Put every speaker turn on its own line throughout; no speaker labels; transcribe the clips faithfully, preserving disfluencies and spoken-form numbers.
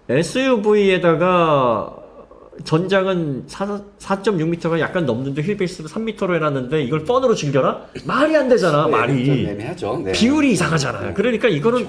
에스유브이에다가 전장은 사 점 육 미터가 약간 넘는데 휠베이스로 삼 미터로 해놨는데 이걸 펀으로 즐겨라? 말이 안 되잖아.
네,
말이.
좀 애매하죠. 네.
비율이 이상하잖아요. 그러니까 이거는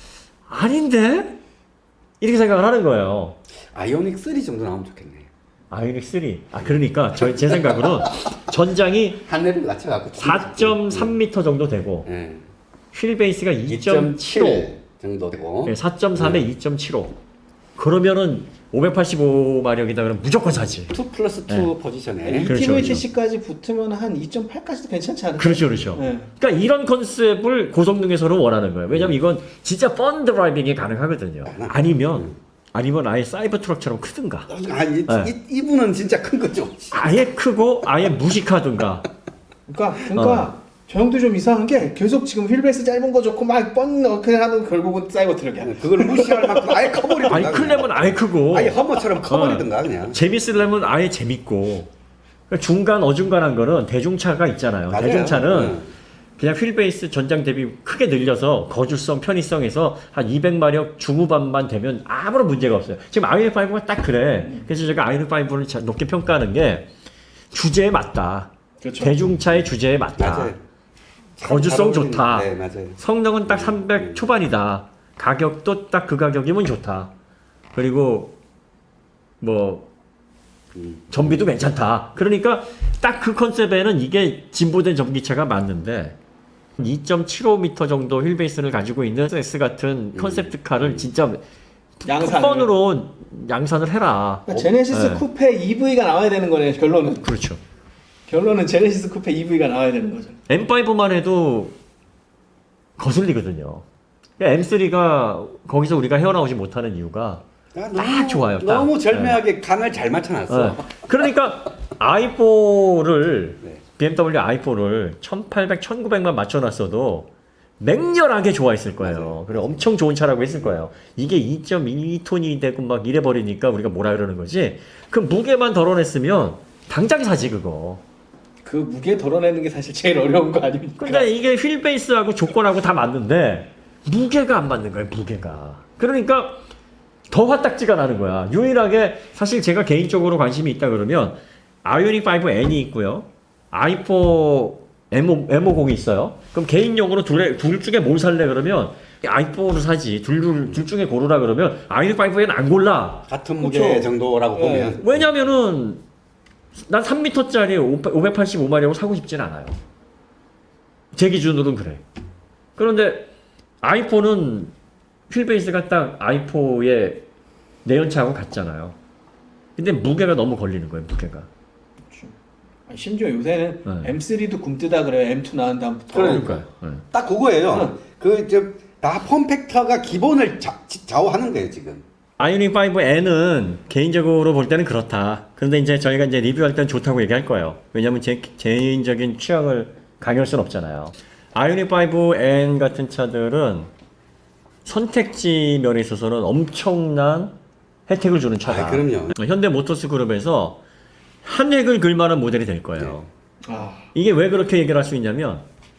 아닌데? 이렇게 생각을 하는 거예요.
아이오닉 쓰리 정도 나오면 좋겠네.
아이오닉 쓰리. 아 그러니까 저, 제 생각으로는 전장이
한 레벨 낮춰갖고
사 점 삼 미터 정도 되고
네.
휠베이스가 이 점 칠오
정도 되고
네, 사 점 삼에
네.
이 점 칠오 그러면은 오백팔십오 마력이다 그러면 무조건 사지.
투 플러스 투
네.
포지션에
그렇죠,
이티브이티씨까지 붙으면 한 이 점 팔까지도 괜찮지 않을까?
그렇죠, 그렇죠.
네.
그러니까 이런 컨셉을 고성능에서는 원하는 거예요. 왜냐면 이건 진짜 펀 드라이빙이 가능하거든요. 아니면 아니면 아예 사이버 트럭처럼 크든가.
아, 이,
네.
이, 이분은 진짜 큰 거죠.
아예 크고 아예 무식하든가.
그러니까 그러니까
어.
저 형도 좀 이상한 게 계속 지금 휠베이스 짧은 거 좋고 막뻔 그냥 하는 결국은 사이버 트럭이야.
그걸 무시할 만큼 아예 커버리든가.
아니 크려면 아예 크고.
아예 허머처럼 커버리든가
어.
그냥.
재밌으려면 아예 재밌고. 그러니까 중간 어중간한 거는 대중차가 있잖아요.
맞아요.
대중차는
응.
그냥 휠베이스 전장 대비 크게 늘려서 거주성, 편의성에서 한 이백 마력 중후반만 되면 아무런 문제가 없어요. 지금 아이오닉 파이브가 딱 그래. 그래서 제가 아이오닉 파이브를 높게 평가하는 게 주제에 맞다.
그렇죠.
대중차의 주제에 맞다.
맞아요.
거주성
잘 어울리는-
좋다.
네, 맞아요.
성능은 딱 삼백
음.
초반이다. 가격도 딱 그 가격이면 좋다. 그리고 뭐
음.
전비도 괜찮다. 그러니까 딱 그 컨셉에는 이게 진보된 전기차가 맞는데 이 점 칠오 미터 정도 휠베이스를 가지고 있는 S 같은 컨셉트카를 진짜
양산을.
펀으로 양산을 해라.
그러니까 제네시스
네.
쿠페 이브이가 나와야 되는 거네. 결론은
그렇죠.
결론은 제네시스 쿠페 이브이가 나와야 되는 거죠.
엠 파이브만 해도 거슬리거든요. 그러니까 엠 쓰리가 거기서 우리가 헤어나오지 못하는 이유가
아,
딱 좋아요, 딱.
너무 절묘하게 간을 잘 맞춰놨어.
어. 그러니까 아이포를
네.
비엠더블유 아이포를 천팔백, 천구백만 맞춰놨어도 맹렬하게 좋아했을 거예요.
맞아요.
그리고 엄청 좋은 차라고 했을 거예요. 이게 이 점 이 톤이 되고 막 이래버리니까 우리가 뭐라 그러는 거지? 그 무게만 덜어냈으면 당장 사지 그거.
그 무게 덜어내는 게 사실 제일 어려운 거 아닙니까?
근데 이게 휠베이스하고 조건하고 다 맞는데 무게가 안 맞는 거예요. 무게가. 그러니까 더 화딱지가 나는 거야. 유일하게 사실 제가 개인적으로 관심이 있다 그러면 아이오닉 파이브 엔이 있고요. 아이포 엠오, 엠오십이 있어요. 그럼 개인용으로 둘, 둘 중에 뭘 살래 그러면 아이포를 사지. 둘, 둘, 둘 중에 고르라 그러면 아이오닉 파이브 엔 안 골라.
같은
그렇죠.
무게 정도라고
네.
보면.
왜냐면은 난 삼 미터짜리 오백팔십오 마력을 사고 싶진 않아요. 제 기준으로는 그래. 그런데 아이포는 휠베이스가 딱 아이포의 내연차하고 같잖아요. 근데 무게가 너무 걸리는 거예요, 무게가.
아니, 심지어 요새는
네.
엠 쓰리도 굼뜨다 그래요. 엠 투 나온 다음부터.
그러니까요.
네.
딱 그거예요.
응.
그, 저, 다 폼팩터가 기본을 자, 좌우하는 거예요, 지금.
아이오닉 파이브 엔은 개인적으로 볼 때는 그렇다. 그런데 이제 저희가 이제 리뷰할 때는 좋다고 얘기할 거예요. 왜냐면 제 개인적인 취향을 강요할 수는 없잖아요. 아이오닉 파이브 엔 같은 차들은 선택지 면에 있어서는 엄청난 혜택을 주는 차다.
아, 그럼요.
현대 모터스 그룹에서 한 획을 그을만한 모델이 될 거예요.
아,
이게 왜 그렇게 얘기를 할 수 있냐면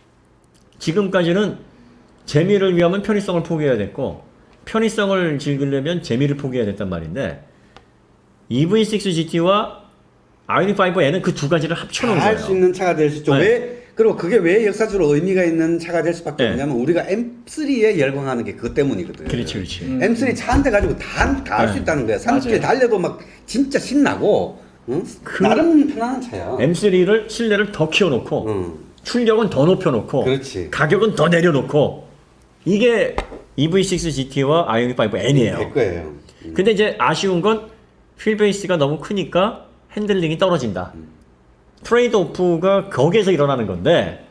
지금까지는 재미를 위하면 편의성을 포기해야 됐고 편의성을 즐기려면 재미를 포기해야 됐단 말인데 이브이 식스 지티와 아이오닉 파이브 엔은 그 두 가지를 합쳐놓은
다 할
거예요.
수 있는 차가 될 수 있죠.
네.
왜, 그리고 그게 왜 역사적으로 의미가 있는 차가 될 수밖에
네.
없냐면 우리가 엠 쓰리에 열광하는 게 그것 때문이거든.
그렇지, 그렇지.
음.
엠 쓰리 차 한 대 가지고 다 다 할 수
네.
있다는 거야. 산길
맞아요.
달려도 막 진짜 신나고, 응?
그-
나름 편안한 차야.
엠 쓰리를 실내를 더 키워놓고
응.
출력은 더 높여놓고
그렇지.
가격은 더 내려놓고 이게 이브이 식스 지티와 아이오닉 파이브 엔이에요.
될 거예요.
근데 이제 아쉬운 건 휠베이스가 너무 크니까 핸들링이 떨어진다. 트레이드 오프가 거기에서 일어나는 건데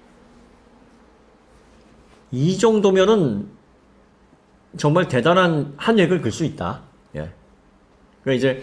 이 정도면은 정말 대단한 한 획을 글 수 있다. 예. 그러니까 이제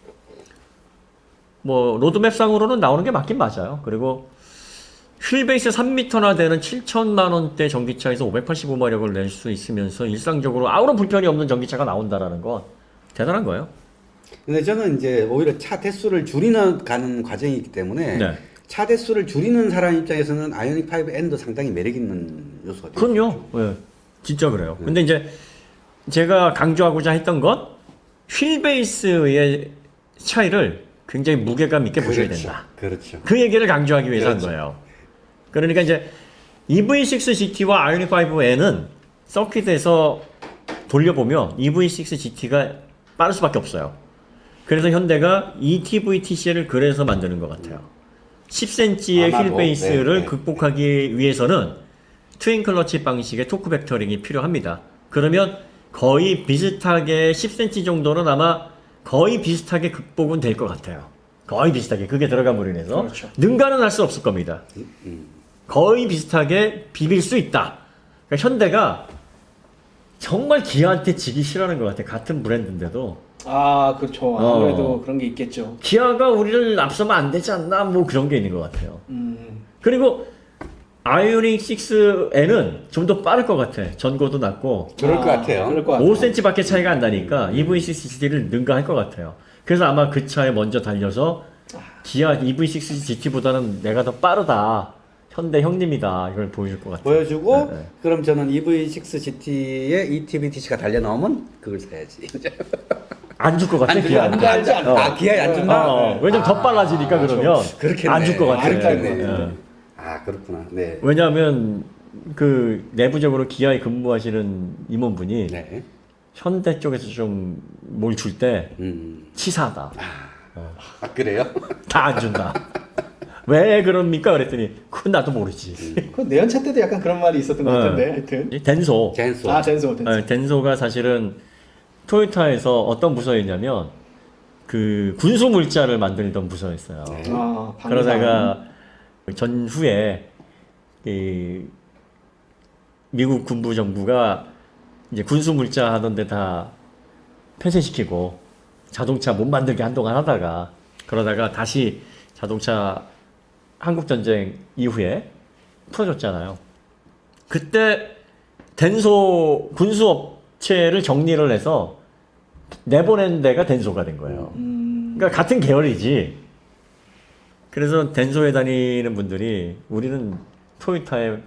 뭐 로드맵상으로는 나오는 게 맞긴 맞아요. 그리고 휠베이스 삼 미터나 되는 칠천만 원대 전기차에서 오백팔십오 마력을 낼 수 있으면서 일상적으로 아무런 불편이 없는 전기차가 나온다라는 건 대단한 거예요.
근데 저는 이제 오히려 차 대수를 줄이는 가는 과정이기 때문에
네.
차 대수를 줄이는 사람 입장에서는 아이오닉 파이브 엔도 상당히 매력 있는 요소가 돼요.
그럼요. 예. 진짜 그래요. 근데 이제 제가 강조하고자 했던 건 휠베이스의 차이를 굉장히 무게감 있게 보셔야
그렇죠.
된다.
그렇죠.
그 얘기를 강조하기 위해서
그렇죠.
한 거예요. 그러니까 이제 이브이 식스 지티와 아이오닉 파이브 엔은 서킷에서 돌려보면 이브이 식스 지티가 빠를 수밖에 없어요. 그래서 현대가 이티브이티씨를 그래서 만드는 것 같아요. 십 센티미터의
아마도,
휠 베이스를
네, 네.
극복하기 위해서는 트윈 클러치 방식의 토크 벡터링이 필요합니다. 그러면 거의 비슷하게 십 센티미터 정도는 아마 거의 비슷하게 극복은 될 것 같아요. 거의 비슷하게 그게 들어감으로 인해서
그렇죠.
능가는 할 수 없을 겁니다. 거의 비슷하게 비빌 수 있다. 그러니까 현대가 정말 기아한테 지기 싫어하는 것 같아. 같은 브랜드인데도
아 그렇죠. 아무래도
어.
그런 게 있겠죠.
기아가 우리를 앞서면 안 되지 않나 뭐 그런 게 있는 것 같아요.
음.
그리고 아이오닉 식스 엔은 좀 더 빠를 것 같아. 전고도 낮고
그럴
아,
것 같아요.
그럴 것 같아요.
오 센티미터밖에 차이가 안 나니까 이브이 식스 지티를 능가할 것 같아요. 그래서 아마 그 차에 먼저 달려서 기아 이브이 식스 지티보다는 내가 더 빠르다. 현대 형님이다. 이걸 보여줄 것 같아요.
보여주고
네, 네.
그럼 저는 이브이 식스 지티에 이티브이티씨가 달려 나오면 그걸 사야지.
안 줄 것 같아.
안 줄-
기아.
안 줄- 안 줄- 안-
어.
아 기아에 안 준다.
어, 어. 왜냐면 더 빨라지니까
아,
그러면
그렇겠네.
안 줄 것 같아.
아, 그렇겠네.
예.
아 그렇구나. 네.
왜냐하면 그 내부적으로 기아에 근무하시는 임원분이
네.
현대 쪽에서 좀 뭘 줄 때
음.
치사하다.
아 그래요?
다 안 준다. 왜 그럽니까? 그랬더니 그건 나도 모르지.
그 내연차 때도 약간 그런 말이 있었던 것
어.
같은데 하여튼.
덴소.
젠소.
아 젠소 젠소.
어, 덴소가 사실은 토요타에서 어떤 부서였냐면 그 군수 물자를 만들던 부서였어요.
네.
아 방산.
그러다가 전후에 이 미국 군부 정부가 이제 군수 물자 하던데 다 폐쇄시키고 자동차 못 만들게 한동안 하다가 그러다가 다시 자동차 한국 전쟁 이후에 풀어줬잖아요. 그때 덴소 군수 업체를 정리를 해서 내보낸 데가 덴소가 된 거예요.
음.
그러니까 같은 계열이지. 그래서 덴소에 다니는 분들이 우리는 토요타의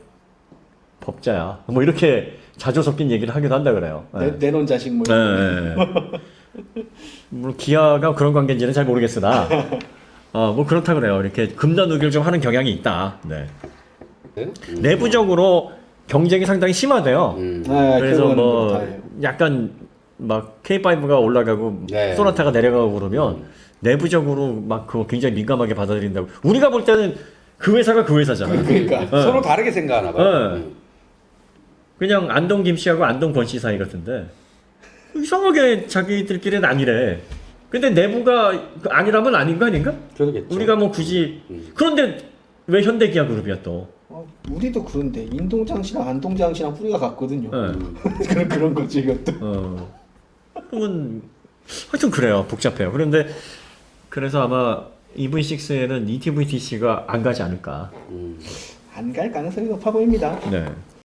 법자야. 뭐 이렇게 자주 섞인 얘기를 하기도 한다 그래요. 예.
내, 내놓은 자식 뭐.
예,
이런 거.
예, 예. 물론 기아가 그런 관계인지는 잘 모르겠으나, 어, 뭐 그렇다 그래요. 이렇게 금단우기를 좀 하는 경향이 있다. 네.
네? 음.
내부적으로 경쟁이 상당히 심하대요.
음.
아,
그래서
결국은
뭐
그렇다.
약간 막 케이 파이브가 올라가고
네.
소나타가 내려가고 그러면 내부적으로 막 그거 굉장히 민감하게 받아들인다고. 우리가 볼 때는 그 회사가 그 회사잖아.
그러니까.
어.
서로 다르게 생각하나 봐요.
네.
음.
그냥 안동 김 씨하고 안동 권 씨 사이 같은데 이상하게 자기들끼리는 아니래. 근데 내부가 그 아니라면 아닌 거 아닌가?
그러겠죠.
우리가 뭐 굳이
음.
그런데 왜 현대기아 그룹이야 또?
어, 우리도 그런데 인동장 씨랑 안동장 씨랑 뿌리가 같거든요.
예.
음.
그런 그런 거지 이것도.
어. 그러면 하여튼 그래요. 복잡해요. 그런데 그래서 아마 이브이 식스에는 이티브이티씨가 안 가지 않을까.
음.
안 갈 가능성이 높아 보입니다.
네.